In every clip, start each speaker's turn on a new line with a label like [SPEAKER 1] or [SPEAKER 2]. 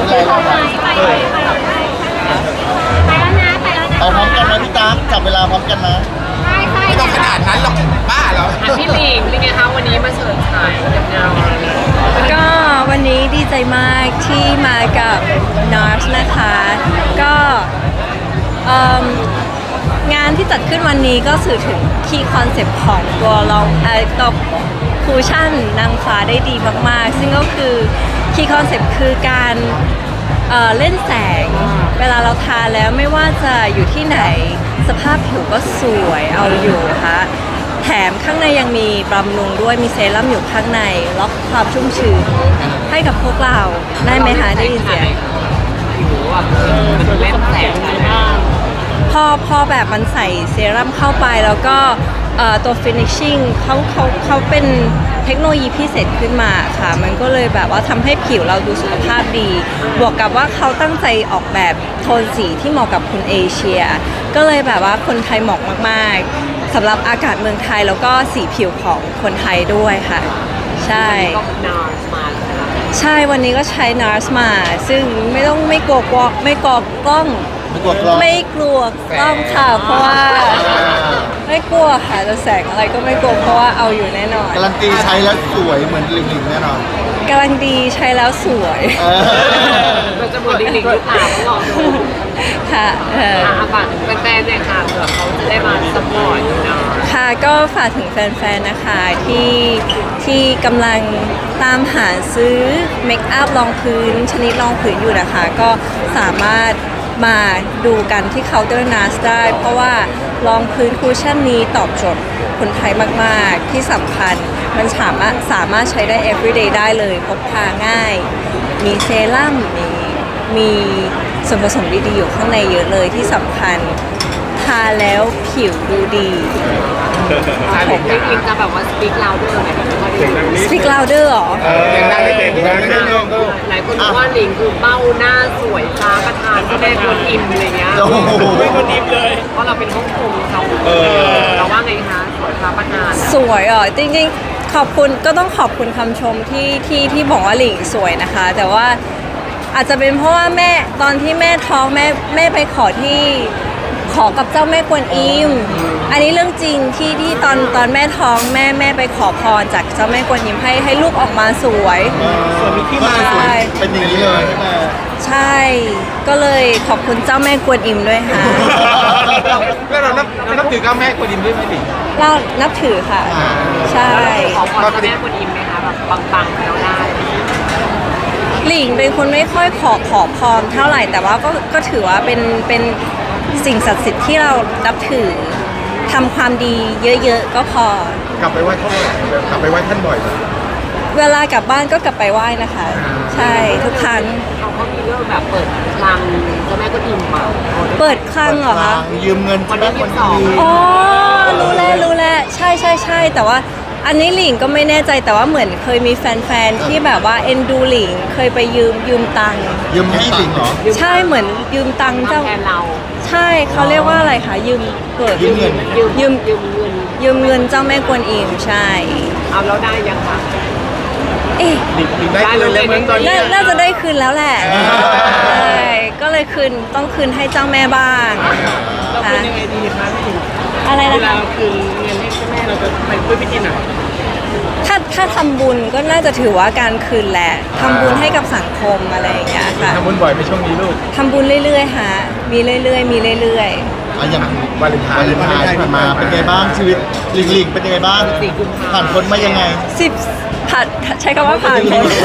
[SPEAKER 1] ไรเราไป
[SPEAKER 2] แล้วนะไปแล้วนะ
[SPEAKER 1] เอาพร้อมกันนะพี่ตั๊กจับเวลาพร้อมกันนะ
[SPEAKER 2] ใช่ใช่
[SPEAKER 3] ไม่ต้องขนาดนั้นหรอกบ้าเหรอ
[SPEAKER 4] อ่ะพี่หลิงเป็นไงคะวันนี้มาเฉิดฉายกับเงา
[SPEAKER 5] ก็วันนี้ดีใจมากที่มากับ NARS นะคะ ก็งานที่จัดขึ้นวันนี้ก็สื่อถึงคีย์คอนเซปต์ของตัวตัวคูชั่นนางฟ้าได้ดีมากๆ ซึ่งก็คือคีย์คอนเซปต์คือการเล่นแสง เวลาเราทาแล้วไม่ว่าจะอยู่ที่ไหนสภาพผิวก็สวยเอาอยู่ค่ะแถมข้างในยังมีบำรุงด้วยมีเซรั่มอยู่ข้างในล็อกความชุ่มชื้นให้กับพวกเราได้ไหมคะได้ยินเสียง
[SPEAKER 4] ผิวอ่ะมันเล่นแสงอะไรบ้าง
[SPEAKER 5] พอแบบมันใส่เซรั่มเข้าไปแล้วก็ตัว finishing เขาเป็นเทคโนโลยีพิเศษขึ้นมาค่ะมันก็เลยแบบว่าทำให้ผิวเราดูสุขภาพดี บวกกับว่าเขาตั้งใจออกแบบโทนสีที่เหมาะกับคนเอเชีย ก็เลยแบบว่าคนไทยเหมาะมากๆสำหรับอากาศเมืองไทยแล้วก็สีผิวของคนไทยด้วยค่ะใช่
[SPEAKER 4] ก็นามาใช่ไหม
[SPEAKER 5] ใช่วันนี้ก็ใช้ NARS มา ซึ่งไม่กลัวกล้อง
[SPEAKER 1] ไม่กลัวกล้อง
[SPEAKER 5] ไม่กลัวกล้องค่ะ เพราะว่าไม่กลัวค่ะจะแสงอะไรก็ไม่กลัวเพราะว่าเอาอยู่แน่นอน
[SPEAKER 1] การันตีใช้แล้วสวยเหมือนลิงลิงแน่นอน
[SPEAKER 5] กำลังดีใช้แล้วสวย
[SPEAKER 4] เราจะเหมือนลิงๆหรือเปล่าต้องลองดู
[SPEAKER 5] ค่ะ
[SPEAKER 4] ฝากถึงแฟนๆเนี่ยค่ะเผื่อเขาจะได้มาสปอร์ตอยู่นะ
[SPEAKER 5] ค่ะก็ฝากถึงแฟนๆนะคะที่กำลังตามหาซื้อเมคอัพรองพื้นชนิดรองพื้นอยู่นะคะ ก็สามารถมาดูกันที่เคาน์เตอร์NARSได้ เพราะว่ารองพื้นคูชั่นนี้ตอบโจทย์คนไทยมากๆที่สำคัญมันสามารถใช้ได้ everyday ได้เลยพกพาง่าย มีเซรั่มมีส่วนผสมดีๆอยู่ข้างในเยอะเลยที่สำคัญทาแล้วผิวดูดี
[SPEAKER 4] ผมลิงๆจะแบบว่าสปีกลาวด้วยไหมคะ
[SPEAKER 5] Speak louder เหรอ
[SPEAKER 3] เสียงดังนิดเดียวดังนิดเดียว
[SPEAKER 4] หลายคนบอกว่าลิงคือเบ้าหน้าสวยฟ้าประธานที่แม่กวนอิมอะไรเงี้ย
[SPEAKER 1] โอ้โห
[SPEAKER 4] ไม่กวนอิมเลยเพราะเราเป็นฮ่องกงเขาเราว่าไงคะสวยฟ้าประธาน
[SPEAKER 5] สวยอ่ะจริงๆขอบคุณก็ต้องขอบคุณคำชมที่บอกว่าหลิงสวยนะคะ แต่ว่าอาจจะเป็นเพราะว่าแม่ตอนที่แม่ท้องแม่ไปขอกับเจ้าแม่กวนอิมอันนี้เรื่องจริงที่ตอนแม่ท้องแม่ไปขอพรจากเจ้าแม่กวนอิมให้ลูกออกมาสวย
[SPEAKER 1] มีที่มาสวยเป็นอย่างนี้เลยใช่ไหม
[SPEAKER 5] ใช่ก็เลยขอบคุณเจ้าแม่กวนอิมด้วยค่ะ
[SPEAKER 3] แล้วเรานับถือเจ้าแม่กวนอิมด้วยไหมดิ
[SPEAKER 5] เรานับถือค่ะ ใช่
[SPEAKER 4] ขอพรจากแม่กวนอิมไหมคะแบบปังๆแล้วได้
[SPEAKER 5] หลิงเป็นคนไม่ค่อยขอพรเท่าไหร่แต่ว่าก็ถือว่าเป็นสิ่งศักดิ์สิทธิ์ที่เรานับถือทำความดีเยอะๆก็พอ
[SPEAKER 3] กลับไปไหว้ท่านบ่อยกลับไปไหว้ท่านบ่อย
[SPEAKER 5] เวลากลับบ้านก็กลับไปไหว้นะคะ ใช่ทุกครั้ง
[SPEAKER 4] เขามีเรื่องแบบเปิดคลังเจ้าแม่กวนอิมมา
[SPEAKER 5] เปิดคลังเหรอคะ
[SPEAKER 1] ยืมเงิน
[SPEAKER 4] วันที่
[SPEAKER 1] คน
[SPEAKER 4] 22
[SPEAKER 1] ดี
[SPEAKER 5] อ๋อรู้แล้วใช่แต่ว่าอันนี้หลิงก็ไม่แน่ใจแต่ว่าเหมือนเคยมีแฟนๆที่แบบว่าเอ็นดูหลิงเคยไปยืมตังค์
[SPEAKER 1] ยืมให้ลิงเหรอ
[SPEAKER 5] ใช่เหมือนยืมตังค์เจ้า
[SPEAKER 4] ทำแทนเรา
[SPEAKER 5] ใช่เขาเรียกว่าอะไรคะยืมเปิด
[SPEAKER 1] ยืมเงิน
[SPEAKER 5] ยืม
[SPEAKER 4] เงิน
[SPEAKER 5] ยืมเงินเจ้าแม่กวนอิมใช่
[SPEAKER 4] เอาแล้วได้ยังคะ
[SPEAKER 5] เอ๊ะ
[SPEAKER 3] ได้เลยเลยมั้งตอนนี้
[SPEAKER 5] น่าจะได้คืนแล้วแหละใช่ก็เลยต้องคืนให้เจ้าแม่บ้าง
[SPEAKER 4] เราคืนยังไงดีคะพี่
[SPEAKER 5] อะไร
[SPEAKER 4] เว
[SPEAKER 5] นะ
[SPEAKER 4] ลา
[SPEAKER 5] คะ
[SPEAKER 4] คืนเงินให้เจ้าแม่เราจะไปด้วยวิธีไหน
[SPEAKER 5] ถ้าทำบุญก็น่าจะถือว่าการคืนแหละทำบุญให้กับสังคมอะไรอย่างเงี้ยค่ะ
[SPEAKER 3] ทำบุญบ่อยในช่วงนี้ลูก
[SPEAKER 5] ทำบุญเรื่อยๆฮะมีเรื่อยๆมีเรื่อย
[SPEAKER 1] อะอย่าง
[SPEAKER 3] วาเลนไทน์
[SPEAKER 1] ที่ผ่านมาเป็นไงบ้างชีวิตลิงลิงเป็นยังไงบ้างผ่านพ้นมายังไง
[SPEAKER 5] ๆผ่านใช้คำว่าผ่านพ้น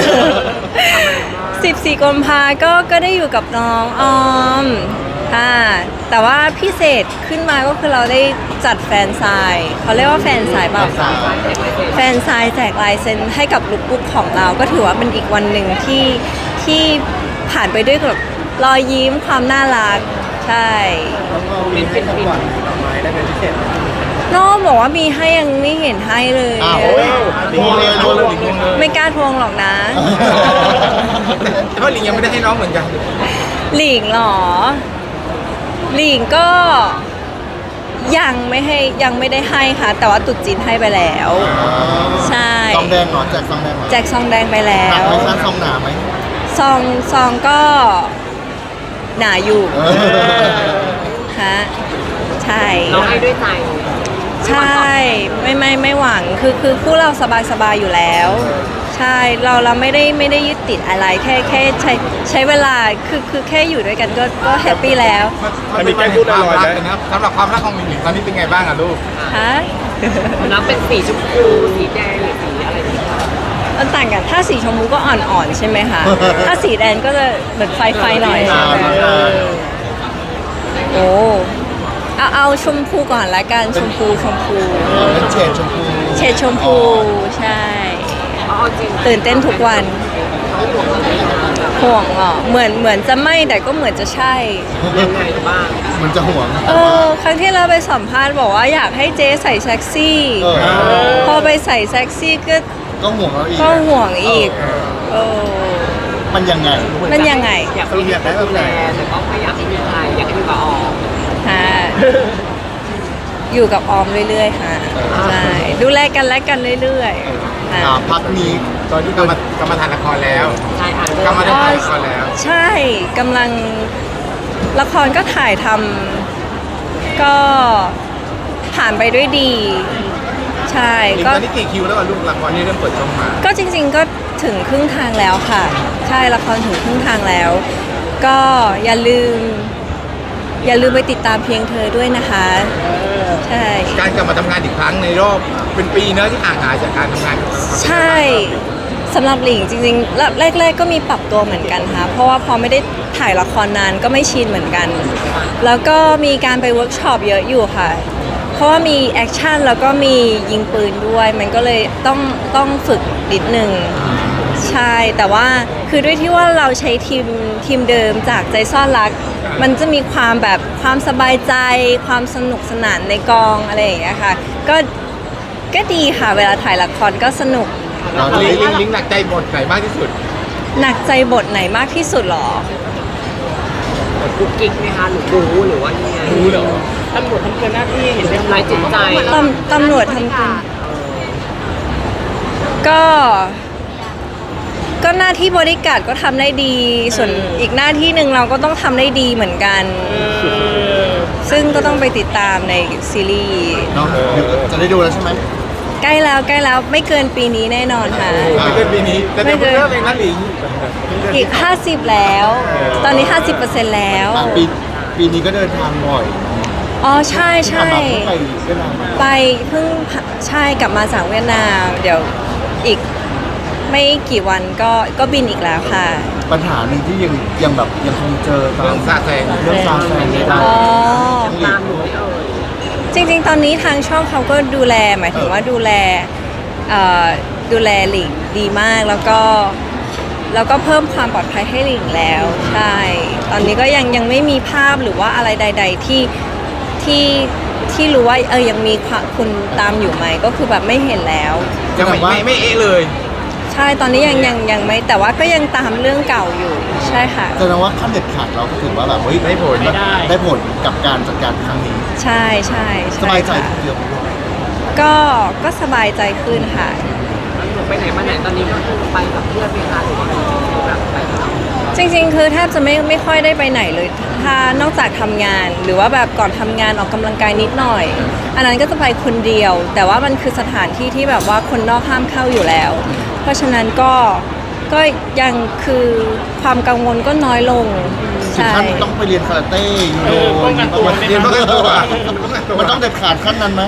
[SPEAKER 5] 14 กุมภาก็ได้อยู่กับน้องออมแต่ว่าพิเศษขึ้นมาก็คือเราได้จัดแฟนไซน์เขาเรียกว่าแฟนไซน์เปล่า แฟนไซน์แจกลายเซ็นให้กับลูกบุ๊กของเราก็ถือว่าเป็นอีกวันหนึ่งที่ผ่านไปด้วยกับรอยยิ้มความน่ารักใช่
[SPEAKER 4] เป็นดอกไม้ได้เป็นพิเศษ
[SPEAKER 5] น้องบอกว่ามีให้ยังไม่เห็นให้เลย
[SPEAKER 1] อ้าวโทรเลยโทรเลย
[SPEAKER 5] ไม่กล้าทวงหรอกนะ
[SPEAKER 3] แต่ว่าลิงยังไม่ได้ให้น้องเหมือนกัน
[SPEAKER 5] หลิงเหรอหลิงก็ยังไม่ได้ให้ค่ะ แต่ว่าตุ๊ดจีนให้ไปแล้ว ใช่
[SPEAKER 1] ซองแดงเหรอแจกซองแดงเหรอ
[SPEAKER 5] แจกซองแดงไปแล้
[SPEAKER 1] หนัก
[SPEAKER 5] ว
[SPEAKER 1] ไหมคะซองหนาไหม
[SPEAKER 5] ซองก็หนาอยู่ฮะใช่
[SPEAKER 4] เราให้ด้วยใจ
[SPEAKER 5] ใช่ไม่หวังคือคู่เราสบายอยู่แล้ว ใช่เราไม่ได้ยึดติดอะไรแค่ใช้เวลาคือแค่อยู่ด้วยกันก็แฮปปี้แล้ว
[SPEAKER 3] มันมีการพูดลอยๆนะสำหรับความรักของหลิงตอนนี้เป็นไงบ้างอะลูก
[SPEAKER 5] ฮะ
[SPEAKER 4] มันนับเป็นสีชมพูสีแดงหรือสีอะไรดีคะ
[SPEAKER 5] มันต่างกันถ้าสีชมพูก็อ่อนๆใช่ไหมคะ ถ้าสีแดงก็จะเหมือนไฟหน่อย โอ้เอาชมพูก่อนละกันชมพู
[SPEAKER 1] เป็นเฉดชมพู
[SPEAKER 5] เฉดชมพูใช่
[SPEAKER 4] เอาจริง
[SPEAKER 5] ตื่นเต้นทุกวัน
[SPEAKER 4] เขาห่วงอะไรนะคะแบบ
[SPEAKER 5] ห่วงเหมือนจะไม่แต่ก็เหมือนจะใช่
[SPEAKER 4] ยังไงบ้าง
[SPEAKER 1] มันจะห่วง
[SPEAKER 5] ครั้งที่เราไปสัมภาษณ์บอกว่าอยากให้เจ๊ใส่เซ็กซี่ พอไปใส่เซ็กซี่ก็
[SPEAKER 1] ก็ห่วงเราอีก
[SPEAKER 5] ก็ห่วงอีกเออ
[SPEAKER 1] มันยังไง
[SPEAKER 5] มันยังไง
[SPEAKER 4] อยากมีคนดูแลแต่ก็ไม่อยากให้มีใครอยากให้มีกับออก
[SPEAKER 5] ฮะอยู่กับออมเรื่อยๆค่ะใช่ดูแลกันและกันเรื่อยๆค่ะ
[SPEAKER 1] พักนี้
[SPEAKER 3] ตอนนี้กำมาถ่ายละครแล้ว
[SPEAKER 4] ใช่อ่าน
[SPEAKER 3] กำมาถ่ายละครแล้ว
[SPEAKER 5] ใช่กำลังละครก็ถ่ายทำก็ผ่านไปด้วยดี ใช่
[SPEAKER 3] หลิง
[SPEAKER 5] ก็
[SPEAKER 3] ตอนนี้กี่คิวแล้วอะลูกละครนี้เริ่มเปิดช่องมา
[SPEAKER 5] ก็จริงๆก็ถึงครึ่งทางแล้วค่ะ ใช่ละครถึงครึ่งทางแล้ว ก็อย่าลืมไปติดตามเพียงเธอด้วยนะคะ ใช่
[SPEAKER 3] การกลับมาทำงานอีกครั้งในรอบเป็นปีเนอะที่ห่างหายจากการทำงาน
[SPEAKER 5] ใช่สำหรับหลิงจริงๆแรกๆก็มีปรับตัวเหมือนกันค่ะเพราะว่าพอไม่ได้ถ่ายละครนานก็ไม่ชินเหมือนกัน แล้วก็มีการไปเวิร์กช็อปเยอะอยู่ค่ะ เพราะว่ามีแอคชั่นแล้วก็มียิงปืนด้วย มันก็เลยต้องฝึกนิดนึงใช่แต่ว่าคือด้วยที่ว่าเราใช้ทีมเดิมจากใจซ่อนรัก มันจะมีความแบบความสบายใจ ความสนุกสนานในกองอะไรอย่างเงี้ยค่ะก็ดีค่ะเวลาถ่ายละครก็สนุก
[SPEAKER 1] เราจะ
[SPEAKER 3] ลิ
[SPEAKER 1] ได้
[SPEAKER 3] งหนักใจบทไหนมากที่สุด
[SPEAKER 5] หนักใจบทไหนมากที่สุดหรอ
[SPEAKER 4] กุ๊กกิ๊กไหมคะหรือบู๊หรือว่ายังไงบู๊เหรอตำรวจทำเกินหน้าที่เห็นเรื่องไรจิตใจ
[SPEAKER 5] ตำรวจทำกันก็หน้าที่บริการดก็ทำได้ดี ส่วนอีกหน้าที่หนึ่งเราก็ต้องทำได้ดีเหมือนกัน ซึ่งก็ต้องไปติดตามในซีรีส์
[SPEAKER 1] เนาะจะได้ดูแล้วใช่ไหม
[SPEAKER 5] ใกล้แล้วไม่เกินปีนี้แน่นอนค่ะ
[SPEAKER 3] ไม่เกินปีนี้แต่เดี๋ยวเริ่มเองนะหลิง
[SPEAKER 5] อีก 50 แล้ว ตอนนี้ 50%แล้ว
[SPEAKER 1] ปีนี้ก็เดินทางบ่อย
[SPEAKER 5] อ๋อใช่
[SPEAKER 1] ที่ผ่านมาเพิ่งไปเวียดนาม
[SPEAKER 5] ไปเพิ่งใช่กลับมาจากเวียดนาม เดี๋ยวอีกไม่กี่วันก็บินอีกแล้วค่ะ
[SPEAKER 1] ปัญหาหนึ่งที่ยังแบบยังคงเจอตา
[SPEAKER 3] เรื่อ
[SPEAKER 1] ม
[SPEAKER 3] งซาแซง
[SPEAKER 1] เรื่องซาแซงไม่ได้
[SPEAKER 5] อ๋อ
[SPEAKER 4] ตามหนูไม่เอ่ย
[SPEAKER 5] จริงๆ ตอนนี้ทางช่องเขาก็ดูแลหมายถึงว่าดูแลหลิงดีมากแล้วก็เพิ่มความปลอดภัยให้หลิงแล้วใช่ตอนนี้ก็ยังไม่มีภาพหรือว่าอะไรใด ๆที่รู้ว่ายังมีคุณตามอยู่ไหมก็คือแบบไม่เห็นแล้ว
[SPEAKER 3] ยังไม่เอะเลย
[SPEAKER 5] ใช่ตอนนี้ยังไม่แต่ว่าก็ยังตามเรื่องเก่าอยู่ใช่ค่ะ
[SPEAKER 1] แสดงว่าขั้นเด็ดขาดเราก็ถือว่าแบบเฮ้ยได้ผลกับการจัดการครั้งนี้
[SPEAKER 5] ใช่
[SPEAKER 1] สบายใจ
[SPEAKER 5] ค่ะ
[SPEAKER 1] เยอะ
[SPEAKER 5] ก็สบายใจขึ้นค่ะ
[SPEAKER 4] หนูไปไหนมาไหนตอนนี้ก็คือไปกับเพื่อนไหมคะหรือว่าแบบไปกับเรา
[SPEAKER 5] จริงๆ คือแทบจะไม่ค่อยได้ไปไหนเลย ถ้านอกจากทำงาน หรือว่าแบบก่อนทำงานออกกำลังกายนิดหน่อย อันนั้นก็จะไปคนเดียว แต่ว่ามันคือสถานที่ที่แบบว่าคนนอกห้ามเข้าอยู่แล้ว เพราะฉะนั้นก็ยังคือความกังวลก็น้อยลง
[SPEAKER 1] ถึง
[SPEAKER 5] ใช่
[SPEAKER 1] ขั้นต้องไปเรียนคาราเต้ยูโด
[SPEAKER 3] เรียนป้องกันตัว
[SPEAKER 1] มันต้องเด็ดขาดขั้นนั้นไหม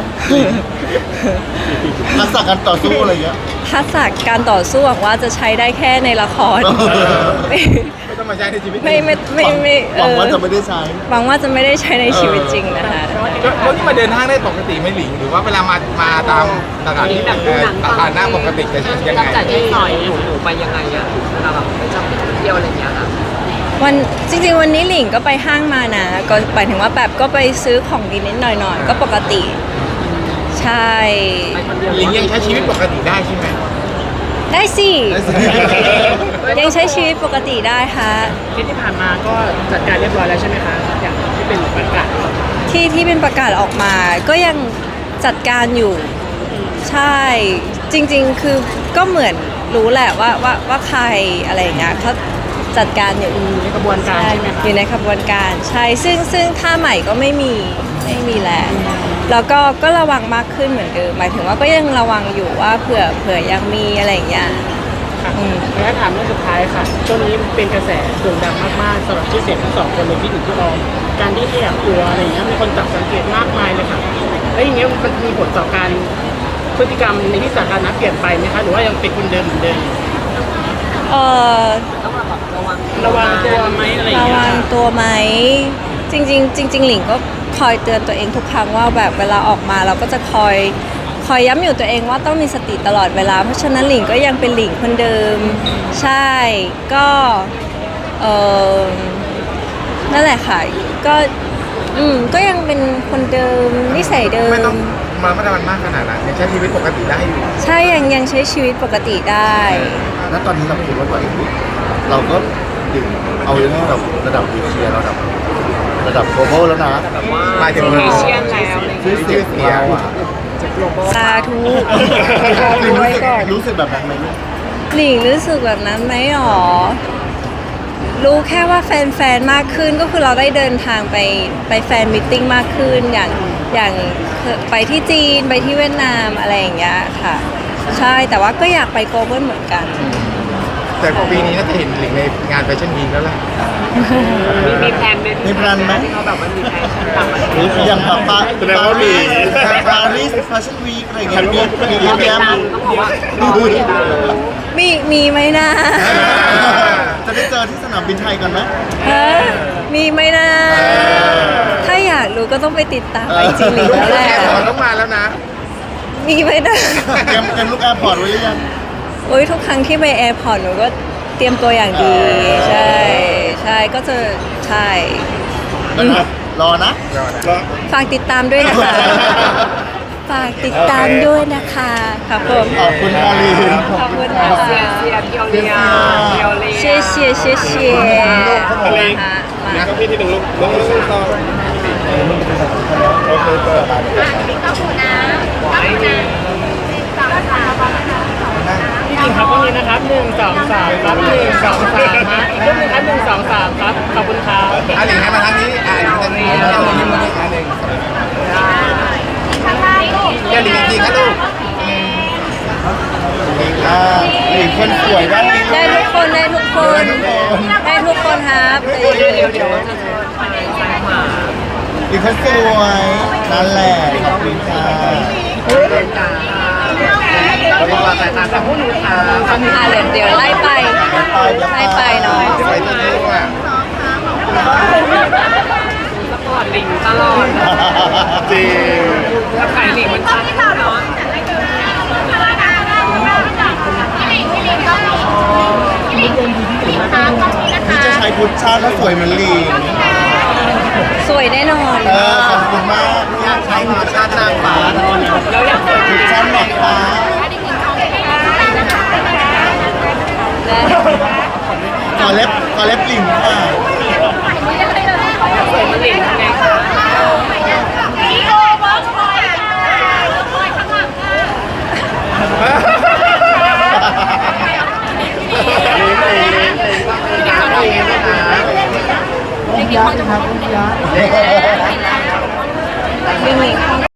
[SPEAKER 1] ทักษะการต่อสู้อะไรเงี้ย
[SPEAKER 5] ทักษะการต่อสู้หวังว่าจะใช้ได้แค่ในละคร
[SPEAKER 3] ไม่ต้องมาใช้ในชีวิต
[SPEAKER 5] ไม่
[SPEAKER 1] หวังว่าจะไม่ได้ใช้
[SPEAKER 5] หวังว่าจะไม่ได้ใช้ในชีวิตจริงนะคะ
[SPEAKER 3] แล้วที่มาเดินห้างได้ปกติไหม่หลิงหรือว่าเวลามาตามตลาดหน้าปกติจะยังไง
[SPEAKER 4] จับจ่ายใช้สอยหนูไปยังไงอะเวลาแบบไปชอบไปเที่ยวอะไรอย่างเงี้ยค่ะ
[SPEAKER 5] จริงๆวันนี้หลิงก็ไปห้างมานะก็หมายถึงว่าแบบก็ไปซื้อของกินนิดหน่อยๆก็ปกติ ใช่
[SPEAKER 4] ไปคนเดียว
[SPEAKER 3] หลิงยังใช้ชีวิตปกติได้ใช่ไหม
[SPEAKER 5] ได้สิ
[SPEAKER 1] ได้สิ
[SPEAKER 5] ยังใช้ชีวิตปกติได้ค่ะ
[SPEAKER 6] ที่ผ่านมาก็จัดการเรียบร้อยแล้วใช่ไหมคะ อย่างที่เป็นประกาศ
[SPEAKER 5] ที่เป็นประกาศออกมา ก็ยังจัดการอยู่ ใช่ จริงๆคือก็เหมือนรู้แหละว่าใครอะไรอย่างเงี้ยจัดการอยู่
[SPEAKER 6] ในกระบวนการใช่ไหมคะ
[SPEAKER 5] อยู่ในขบวนการใช่ซึ่งท่าใหม่ก็ไม่มีแล้วแล้วก็ระวังมากขึ้นเหมือนเดิมหมายถึงว่าก็ยังระวังอยู่ว่าเผื่อยังมีอะไรอย่างเงี้ย
[SPEAKER 6] ค่ะแล้วถามเรื่องสุดท้ายค่ะช่วงนี้เป็นกระแสโด่งดังมากๆสำหรับชื่อเสียงทั้งสองคนเลยที่ถึงพี่ออมการที่แอบกลัวอะไรอย่างเงี้ยมีคนจับสังเกตมากมายเลยค่ะแล้วอย่างเงี้ยมันมีผลต่อการพฤติกรรมในที่สาธารณะเปลี่ยนไปไหมคะหรือว่ายังเป็นคนเดิมเหมือนเดิม
[SPEAKER 5] เออ
[SPEAKER 4] ต้องแบบระวัง
[SPEAKER 6] ระวังตัวไหมอะไรอย่าง
[SPEAKER 5] ระ
[SPEAKER 6] เงี้ย
[SPEAKER 5] วังตัวไหมจริงหลิงก็คอยเตือนตัวเองทุกครั้งว่าแบบเวลาออกมาเราก็จะคอยย้ำอยู่ตัวเองว่าต้องมีสติตลอดเวลาเพราะฉะนั้นหลิงก็ยังเป็นหลิงคนเดิมใช่ก็เออนั่นแหละค่ะก็ยังเป็นคนเดิมนิสัยเดิ
[SPEAKER 3] ไม่ต้อง
[SPEAKER 5] ม
[SPEAKER 3] มาระมัดระวังมากขนาดนั้นยังใช้ชีวิตปกติได้อยู่
[SPEAKER 5] ใช่ยังใช้ชีวิตปกติได้
[SPEAKER 1] แล้วตอนนี้เราคิดว่าตัวเองเราก็ดึงเอาเรื่องระดับเอเชียระดับ global แล้วนะ
[SPEAKER 4] แบบว่า
[SPEAKER 3] หมายถึง
[SPEAKER 4] เอเชียนแล้วอะไรอย่าง
[SPEAKER 1] ชื่
[SPEAKER 4] เงี้
[SPEAKER 1] อย เสียงเราอะ
[SPEAKER 5] สาธุ
[SPEAKER 1] รู้สึกแบบนั้นไหมลูก
[SPEAKER 5] หลิงรู้สึกแบบนั้นไหมหรอ รู้แค่ว่าแฟนๆ มากขึ้นก็คือเราได้เดินทางไปแฟนมิทติ้งมากขึ้นอย่างไปที่จีนไปที่เวียดนามอะไรอย่างเงี้ยค่ะ ใช่แต่ว่าก็อยากไปโกลบอลเหมือนกัน
[SPEAKER 3] แต่ปีนี้น่าจะเห็นหลิงในงานแฟชั่นวีคแล้วแหละ
[SPEAKER 4] มีแพลนไหม
[SPEAKER 1] มีแพลนไหม
[SPEAKER 4] ที่เขาแบบว่ามีแพลนต่างประเท
[SPEAKER 1] หรือ
[SPEAKER 4] ศ
[SPEAKER 1] อย่างปา
[SPEAKER 3] แสดงว่ามี
[SPEAKER 1] ปารีสแฟชั่นวีคอะไรอย่างเงี้ยมีเย
[SPEAKER 4] เรา
[SPEAKER 1] อะ
[SPEAKER 4] ติด
[SPEAKER 1] แยะ
[SPEAKER 4] ตามต้องบอกว่ารอติดตาม
[SPEAKER 5] มีไหมนะ
[SPEAKER 1] จะได้เจอที่สนามบินไทยก่อนไหม
[SPEAKER 5] ฮะมีไหมนะ ถ้าอยากรู้ก็ต้องไปติดตามไอจีหลิงแล้วแหละ
[SPEAKER 3] แอร์พอร์ตต้องมาแล้วนะ
[SPEAKER 5] มีไหมนะ
[SPEAKER 1] เตรียมลูกแอร์พอร์ตไว้หรือยัง
[SPEAKER 5] โอ้ยทุกครั้งที่ไปแอร์พอร์ตหนูก็เตรียมตัวอย่างดี ใช่ก็จะใช่
[SPEAKER 1] รอนะ
[SPEAKER 5] ฝากติดตามด้วยนะคะ ฝากติดตามด้วยนะคะครับผม
[SPEAKER 1] ขอบคุณมารีน
[SPEAKER 5] ขอบคุณนะ
[SPEAKER 4] เชีย
[SPEAKER 5] คะ
[SPEAKER 4] ร์เชียร์เพียวเลียเพียวเลีย
[SPEAKER 5] เชียร์เชียร์เชียร์เชียร์นะคะ
[SPEAKER 3] นะพี่ที่หนึ่งลูกต้องต่อ
[SPEAKER 2] บิ๊กก็คูนะก็คูนะสองสาม
[SPEAKER 6] พี่หญิงครับตรงนี้นะครับ1 2 3ครับ1 2 3นะอีกรูปหนึงครับ1 2 3ครับขอบคุณครับ
[SPEAKER 3] หลิงให้มาทางนี้หลิงทางนี้เรายิ้มมาที่อันหนึ่ง
[SPEAKER 2] ข้างล่างลูก
[SPEAKER 3] อย่าหลิงจริงนะลูก
[SPEAKER 1] หลิงคนสวยด้านนี้
[SPEAKER 5] ได้ทุกคนได้ทุกคนได้ทุกคนครับ
[SPEAKER 4] เดี๋ยวจะเชิญไปซ้ายขวา
[SPEAKER 1] หลิงคนสวยนั่นแหละขอบคุณค่ะ
[SPEAKER 4] ขอบคุณค่ะสายตาจากผู้หนูค่ะ
[SPEAKER 5] เดี๋ยวไล่ไปเนาะ
[SPEAKER 3] ไปที่นี่ว่า
[SPEAKER 4] สปอร์ตลิงตลอด
[SPEAKER 1] จริง
[SPEAKER 4] ถ้าขายลิงมันชัดเนาะ
[SPEAKER 1] นี่จะใช้พุทธชาติถ้าสวยเหมือนหลิง
[SPEAKER 5] สวยแน่นอน
[SPEAKER 1] ขอบคุณมากที่ใช้พุทธชาตินางฟ้า
[SPEAKER 4] แล้วอยาก
[SPEAKER 1] พุทธชาตินางฟ้าขอเล็บหลิงค่ะ
[SPEAKER 4] สวยมันลิงทำไงคะ
[SPEAKER 2] พี่โอเวิร์กพอยต์ค่ะเวิร์กพอยต์ข้างหลังค่ะ
[SPEAKER 1] ต้องยักษ์นะครับต้องยักษ์
[SPEAKER 5] วิ่งหนี